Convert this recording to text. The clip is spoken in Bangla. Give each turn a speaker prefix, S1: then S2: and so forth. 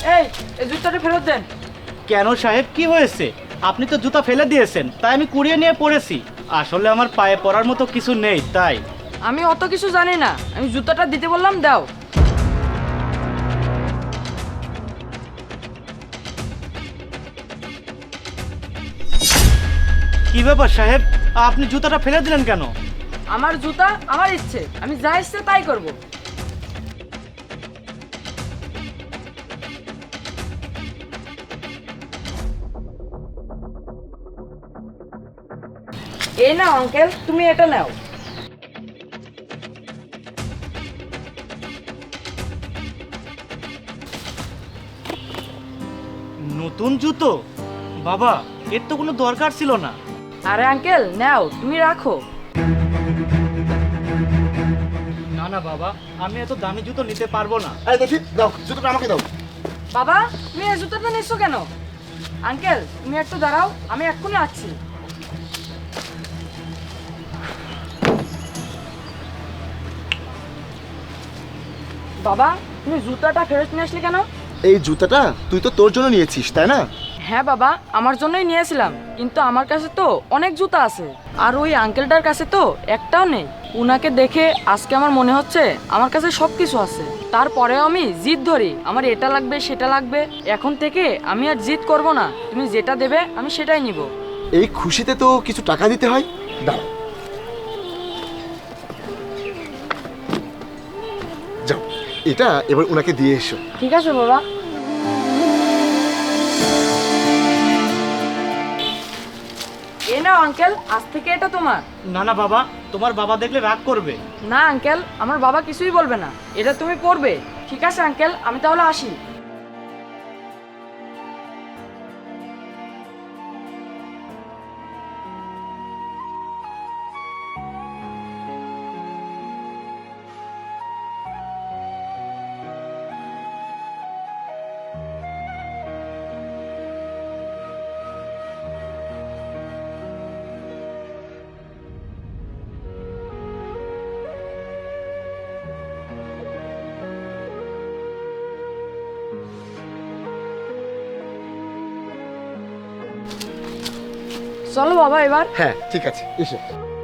S1: এই এই জুতাটা ফেরত দেন।
S2: কেন সাহেব, কি হয়েছে? আপনি তো জুতা ফেলে দিয়েছেন, তাই আমি কুড়িয়ে নিয়ে পড়েছি। আসলে আমার পায়ে পড়ার মতো কিছু নেই তাই।
S1: আমি অত কিছু জানি না, আমি জুতাটা দিতে বললাম, দাও।
S2: কি ব্যাপার সাহেব, আপনি জুতাটা ফেলে দিলেন কেন?
S1: আমার জুতা আমার ইচ্ছে, আমি যা ইচ্ছে তাই করব। এই নাও আঙ্কেল, তুমি এটা নাও।
S2: নতুন জুতো? বাবা, এর তো কোনো দরকার ছিল না।
S1: আরে আঙ্কেল নাও, তুমি রাখো।
S2: না না বাবা, আমি এত দামি জুতো নিতে পারবো না।
S3: এই দেখি, দাও জুতোটা আমাকে দাও।
S1: বাবা, তুমি এই জুতাটা নিচ্ছ কেন? আঙ্কেল তুমি একটু দাঁড়াও, আমি এক্ষুনি আসছি। বাবা, তুমি জুতাটা ফেরত নিয়ে আসলে কেন?
S3: এই জুতাটা তুই তো তোর জন্য নিয়েছিস, তাই না?
S1: হ্যাঁ বাবা, আমার জন্যই নিয়েছিলাম, কিন্তু আমার কাছে তো অনেক জুতা আছে, আর ওই আঙ্কেলটার কাছে তো একটাও নেই। উনাকে দেখে আজকে আমার মনে হচ্ছে আমার কাছে সব কিছু আছে, তারপরেও আমি জিদ ধরি আমার এটা লাগবে সেটা লাগবে। এখন থেকে আমি আর জিদ করব না, তুমি যেটা দেবে আমি সেটাই নিব।
S3: এই খুশিতে তো কিছু টাকা দিতে হয়। দাও, যাও এটা এবার ওনাকে দিয়ে এসো।
S1: ঠিক আছে বাবা। এ নাও আঙ্কেল, আজ থেকে এটা তোমার।
S2: না না বাবা, তোমার বাবা দেখলে রাগ করবে।
S1: না আঙ্কেল, আমার বাবা কিছুই বলবে না, এটা তুমি পরবে। ঠিক আছে আঙ্কেল, আমি তাহলে আসি। চলো বাবা এবার।
S3: হ্যাঁ ঠিক আছে, এসো।